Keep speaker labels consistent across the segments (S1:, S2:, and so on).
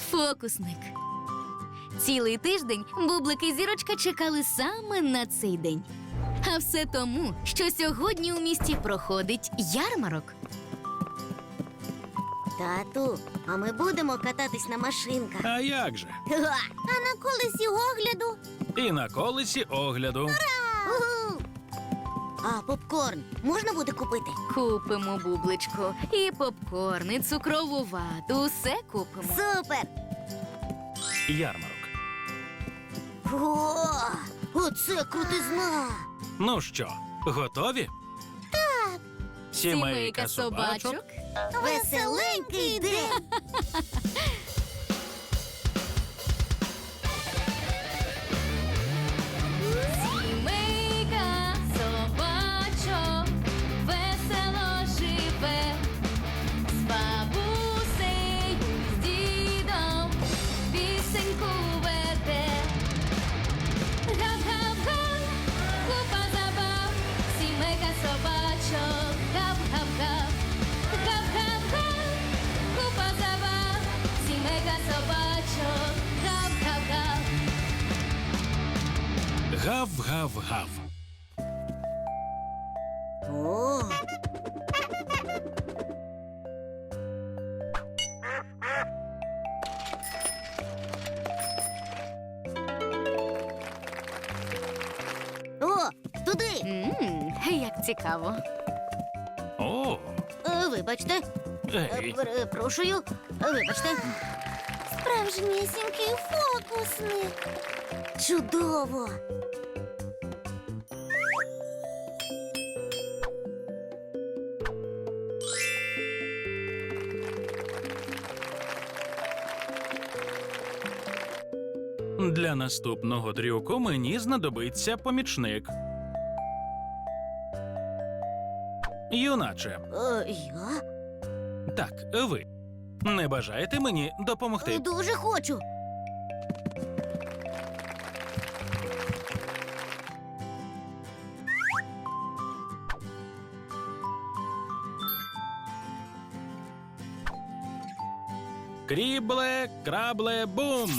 S1: Фокусник. Цілий тиждень Бублик і Зірочка чекали саме на цей день. А все тому, що сьогодні у місті проходить ярмарок.
S2: Тату, а ми будемо кататись на машинках.
S3: А як же?
S2: А на колесі огляду?
S3: І на колесі огляду.
S2: Уху! А попкорн можна буде купити?
S1: Купимо, Бубличко, і попкорн, і цукрову вату, усе купимо.
S2: Супер!
S3: Ярмарок.
S2: О, оце крутизна!
S3: Ну що, готові? Так. Сімейка собачок.
S2: Веселенький день!
S1: Сімейка собачок весело живе, з бабусею, з дідом пісеньку веде. Гап-гап-га, купа забав, сімейка собачок, гап-гап-га. Гап-гап-га, купа забав, сімейка собачок, гап-гап-га.
S3: Гав-гав-гав.
S2: О! О, туди!
S1: Як цікаво.
S3: О,
S2: Вибачте,
S3: ей.
S2: перепрошую, вибачте. Справжнісінький фокусник. Чудово!
S3: Для наступного трюку мені знадобиться помічник. Юначе,
S2: Я?
S3: так, ви. Не бажаєте мені допомогти?
S2: Дуже хочу.
S3: Крібле, крабле, бум!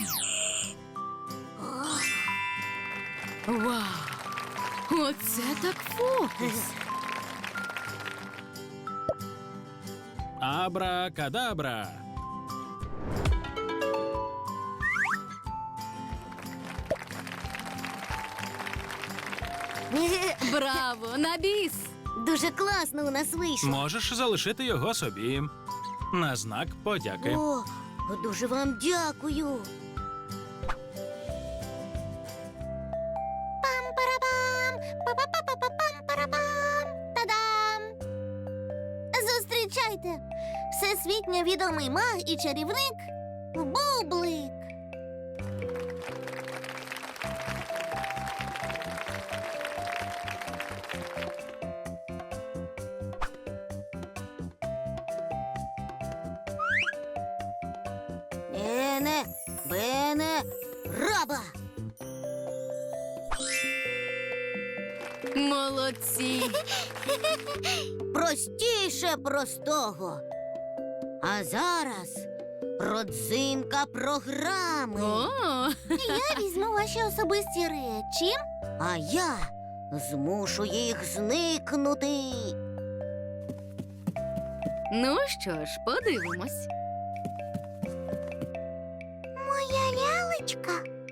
S1: Вау! Оце так фокус!
S3: Абра-кадабра!
S1: Браво! На біс!
S2: Дуже класно у нас вийшло.
S3: Можеш залишити його собі. На знак подяки.
S2: О, дуже вам дякую. Пам-парабам! Па-па-па-па-пам-парабам! Та-дам! Зустрічайте! Всесвітньо відомий маг і чарівник Бублик. Ене, бене, раба!
S1: Молодці!
S2: Простіше простого. А зараз родзинка програми.
S1: О!
S2: Я візьму ваші особисті речі, а я змушу їх зникнути.
S1: Ну що ж, подивимось.
S2: Моя лялечка.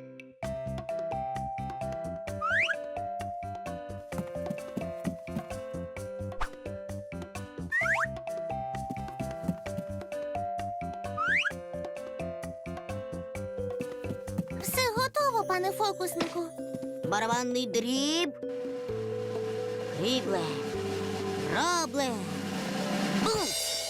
S2: Все готово, пане фокуснику. Барабанний дріб. Крібле. Рабле. Бум!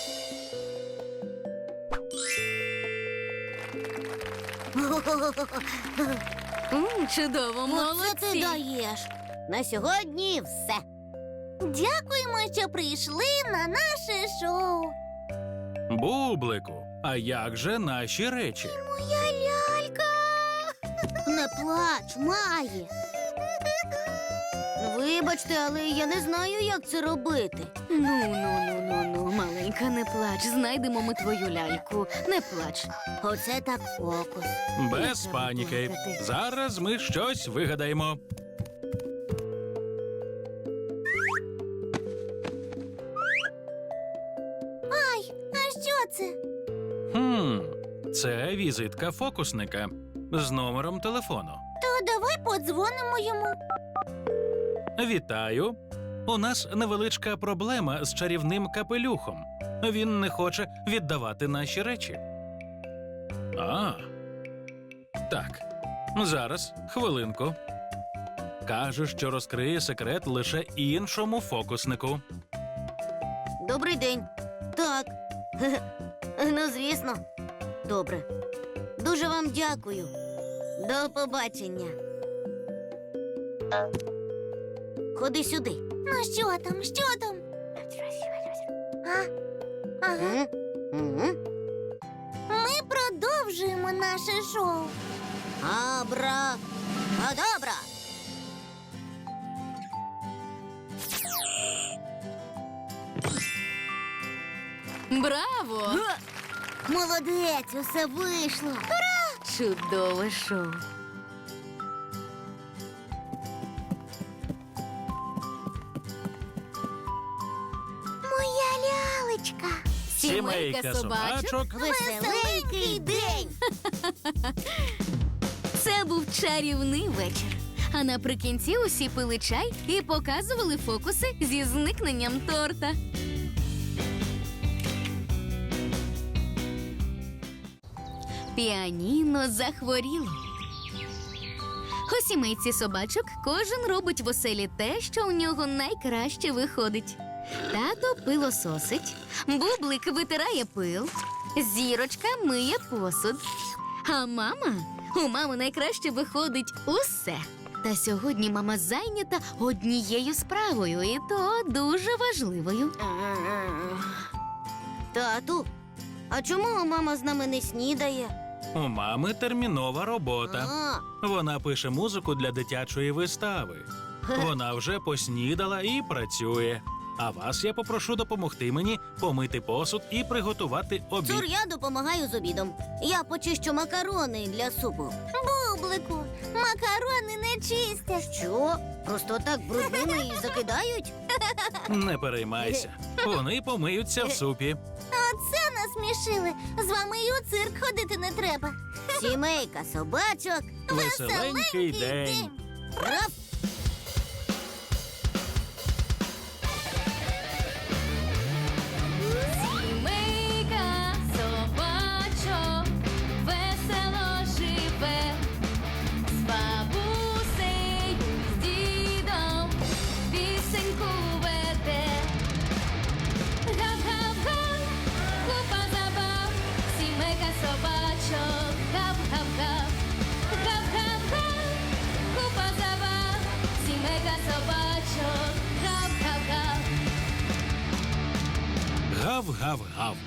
S1: Чудово,
S2: Оце ти
S1: молодці!
S2: даєш. На сьогодні все. Дякуємо, що прийшли на наше шоу.
S3: Бублику, а як же наші речі?
S2: Моя лялька. Не плач, Маї. Вибачте, але я не знаю, як це робити.
S1: Ну, маленька, не плач. Знайдемо ми твою ляльку. Не плач.
S2: Оце так фокус.
S3: Без паніки. Зараз ми щось вигадаємо.
S2: А що це?
S3: Це візитка фокусника з номером телефону.
S2: То давай подзвонимо йому.
S3: Вітаю. У нас невеличка проблема з чарівним капелюхом. Він не хоче віддавати наші речі. Так. Зараз, хвилинку. Каже, що розкриє секрет лише іншому фокуснику.
S2: Добрий день. Так. Ну, звісно. Добре. Дуже вам дякую. До побачення. Ходи сюди. Ну, що там? Що там? Ага. Ми продовжуємо наше шоу. Абра-кадабра.
S1: Браво!
S2: Молодець, усе вийшло.
S1: Чудове шоу.
S2: Моя лялечка.
S1: Сімейка собачок.
S2: Веселенький день.
S1: Це був чарівний вечір. А наприкінці усі пили чай і показували фокуси зі зникненням торта. Піаніно захворіло. У сімейці собачок кожен робить в оселі те, що у нього найкраще виходить. Тато пилососить, Бублик витирає пил, Зірочка миє посуд. А у мами найкраще виходить усе. Та сьогодні мама зайнята однією справою, і то дуже важливою.
S2: Тату, а чому мама з нами не снідає?
S3: У мами термінова робота. Вона пише музику для дитячої вистави. Вона вже поснідала і працює. А вас я попрошу допомогти мені помити посуд і приготувати обід.
S2: Цур, я допомагаю з обідом. Я почищу макарони для супу. Бублику, макарони не чистять. Що? Просто так брудними і закидають?
S3: Не переймайся. Вони помиються в супі.
S2: Оце насмішили. З вами і у цирк ходити не треба. Сімейка собачок.
S3: Веселенький день.
S2: Раф!
S1: Сімейка собачок весело живе, з бабусею, з дідом пісеньку веде. Гав-гав-га, купа забав, сімейка собачок, гав-гав-гав. Гав-гав-га, купа забав, сімейка собачок, гав-гав-гав.
S3: Гав-гав-гав.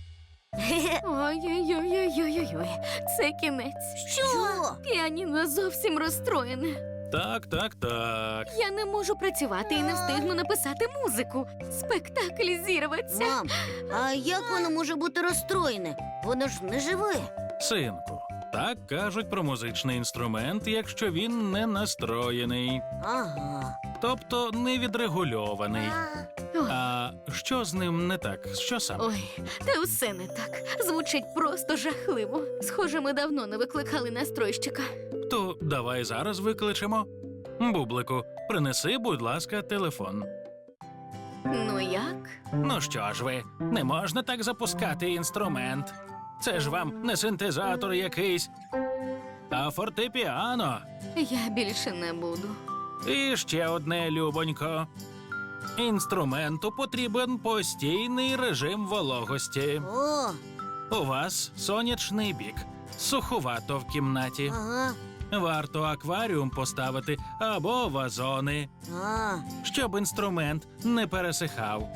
S1: Ой-ой-ой-ой-ой-ой, це кінець.
S2: Що?
S1: Піаніно зовсім розстроєне.
S3: Так.
S1: Я не можу працювати і не встигну написати музику. Спектакль зірветься.
S2: Мам, а як воно може бути розстроєне? Воно ж не живе.
S3: Синку, так кажуть про музичний інструмент, якщо він не настроєний,
S2: Ага.
S3: тобто не відрегульований.
S1: Ой,
S3: А що з ним не так? Що саме?
S1: ой, та все не так. Звучить просто жахливо. Схоже, ми давно не викликали настройщика.
S3: То давай зараз викличемо. Бублику, принеси, будь ласка, телефон.
S1: Ну як?
S3: Ну що ж ви, не можна так запускати інструмент. Це ж вам не синтезатор якийсь, а фортепіано.
S1: Я більше не буду.
S3: І ще одне, любонько. Інструменту потрібен постійний режим вологості.
S2: О,
S3: У вас сонячний бік, суховато в кімнаті.
S2: ага.
S3: Варто акваріум поставити або вазони, щоб інструмент не пересихав.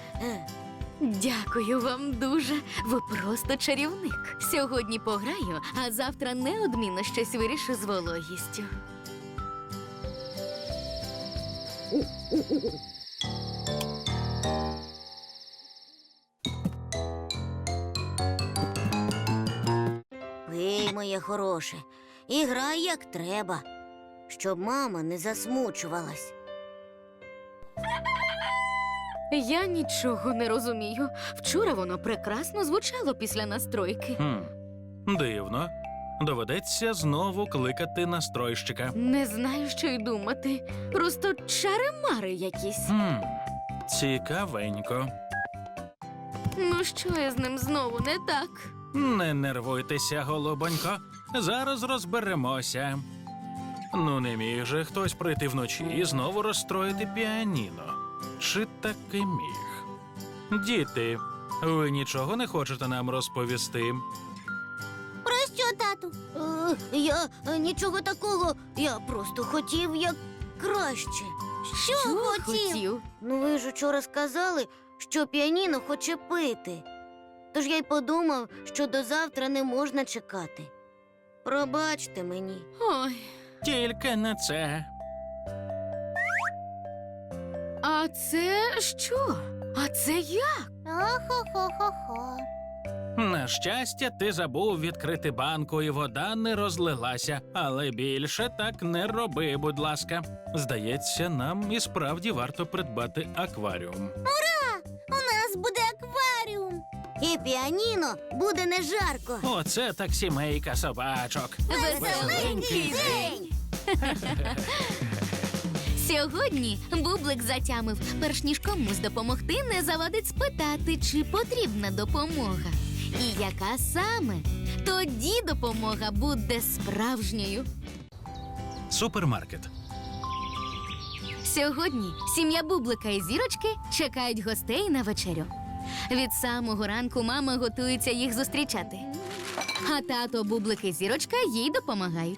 S1: Дякую вам дуже. Ви просто чарівник. Сьогодні пограю, а завтра неодмінно щось вирішу з вологістю.
S2: Пий, моє хороше, і грай як треба, щоб мама не засмучувалась.
S1: Я нічого не розумію. Вчора воно прекрасно звучало після настройки.
S3: Дивно. Доведеться знову кликати настройщика.
S1: Не знаю, що й думати. Просто чари-мари якісь.
S3: Цікавенько.
S1: Ну що я з ним знову не так?
S3: Не нервуйтеся, голубонько. Зараз розберемося. Ну, не міг же хтось прийти вночі і знову розстроїти піаніно. Чи таки міг? Діти, ви нічого не хочете нам розповісти?
S2: Про що, тату? Я нічого такого. Я просто хотів як краще. Що хотів? Ну, ви ж учора сказали, що піаніно хоче пити. Тож я й подумав, що до завтра не можна чекати. Пробачте мені.
S1: Ой,
S3: Тільки не це.
S1: а це що? А це як?
S2: Охо-хо-хо-хо.
S3: На щастя, ти забув відкрити банку, і вода не розлилася. Але більше так не роби, будь ласка. Здається, нам і справді варто придбати акваріум.
S2: У нас буде акваріум. І піаніно буде не жарко.
S3: Оце так сімейка собачок.
S1: Веселенький день! Сьогодні Бублик затямив, перш ніж комусь допомогти, не завадить спитати, чи потрібна допомога. І яка саме? Тоді допомога буде справжньою.
S3: Супермаркет.
S1: Сьогодні сім'я Бублика і Зірочки чекають гостей на вечерю. Від самого ранку мама готується їх зустрічати. А тато Бублик і Зірочка їй допомагають.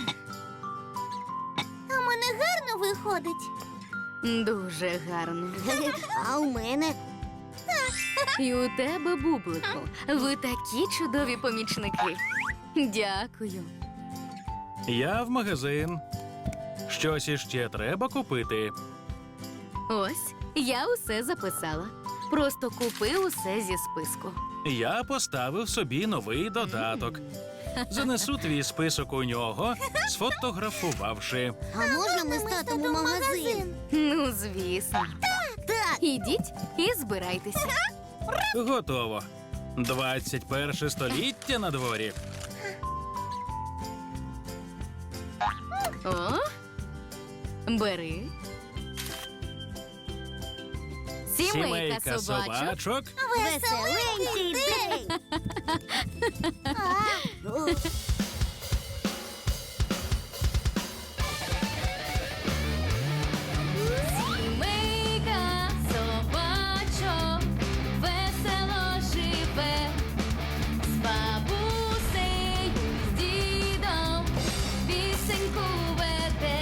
S2: А в мене гарно виходить.
S1: Дуже гарно.
S2: А у мене
S1: І у тебе, Бублику, ви такі чудові помічники. Дякую.
S3: Я в магазин. Щось іще треба купити.
S1: Ось, я усе записала. Просто купи усе зі списку.
S3: Я поставив собі новий додаток. Занесу твій список у нього, сфотографувавши.
S2: А можна ми з татом у магазин?
S1: Ну, звісно.
S2: Так.
S1: Ідіть і збирайтеся.
S3: Готово. 21 століття на дворі.
S1: О, бери. Сімейка собачок.
S2: Веселенький день.
S1: Сімейка собачок весело живе, з бабусею, з дідом пісеньку веде.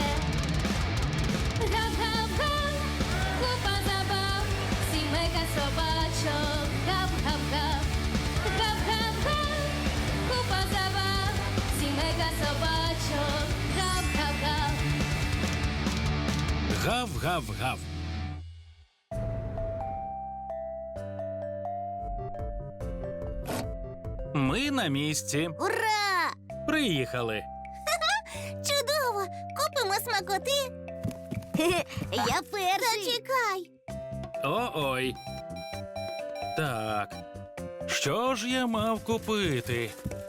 S1: Гав-гав-га, купа забав, сімейка собачок, гав-гав-гав. Гав-гав-га, купа забав, сімейка собачок, гав-гав-гав.
S3: Гав-гав-гав. Ми на місці.
S2: Ура!
S3: Приїхали.
S2: Чудово! Купимо смакоти. Я перший. Зачекай.
S3: О-ой. Так. Що ж я мав купити?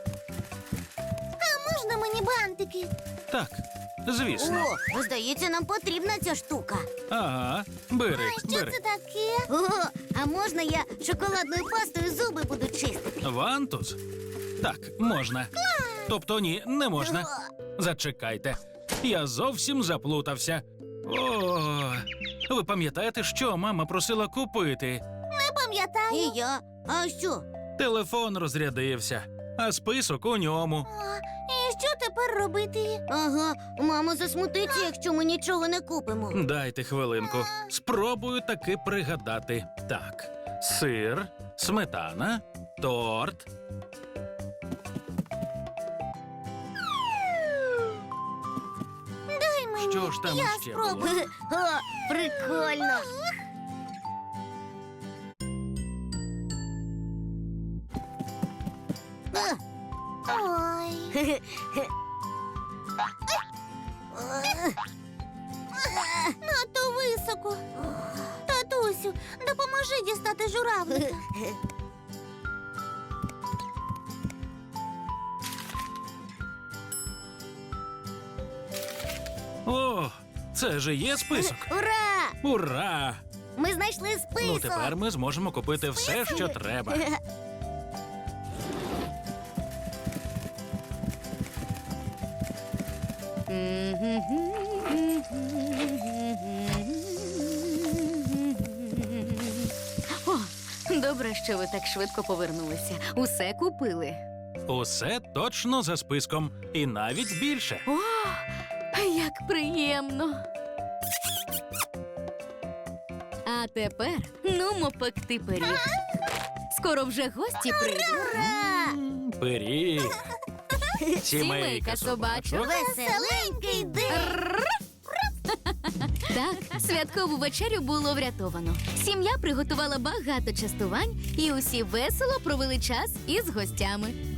S2: Можна мені бантики?
S3: Так, звісно.
S2: О, здається, нам потрібна ця штука.
S3: Ага, бери, бери.
S2: таке? О, а можна я шоколадною пастою зуби буду чистити?
S3: Вантус? Так, можна. Тобто ні, не можна. Зачекайте. Я зовсім заплутався. О, ви пам'ятаєте, що мама просила купити?
S2: Не пам'ятаю. І я. А що?
S3: Телефон розрядився, а список у ньому.
S2: І що тепер робити? Ага, мама засмутиться, якщо ми нічого не купимо.
S3: Дайте хвилинку. Спробую таки пригадати. Так, сир, сметана, торт.
S2: Дай
S3: Що ж там
S2: Я
S3: ще було?
S2: спробую. О, прикольно. Ой. Надто високо. Татусю, допоможи дістати журавлика.
S3: О, це же є список.
S2: Ура!
S3: Ура!
S2: Ми знайшли список.
S3: Ну тепер ми зможемо купити все, що треба.
S1: О, добре, що ви так швидко повернулися. Усе купили.
S3: Усе точно за списком, і навіть більше.
S1: О, як приємно. А тепер нумо пекти пиріг. Скоро вже гості прийдуть.
S3: Пиріг.
S1: Сімейка собачок.
S2: Веселенький день.
S1: Так, святкову вечерю було врятовано. Сім'я приготувала багато частувань, і усі весело провели час із гостями.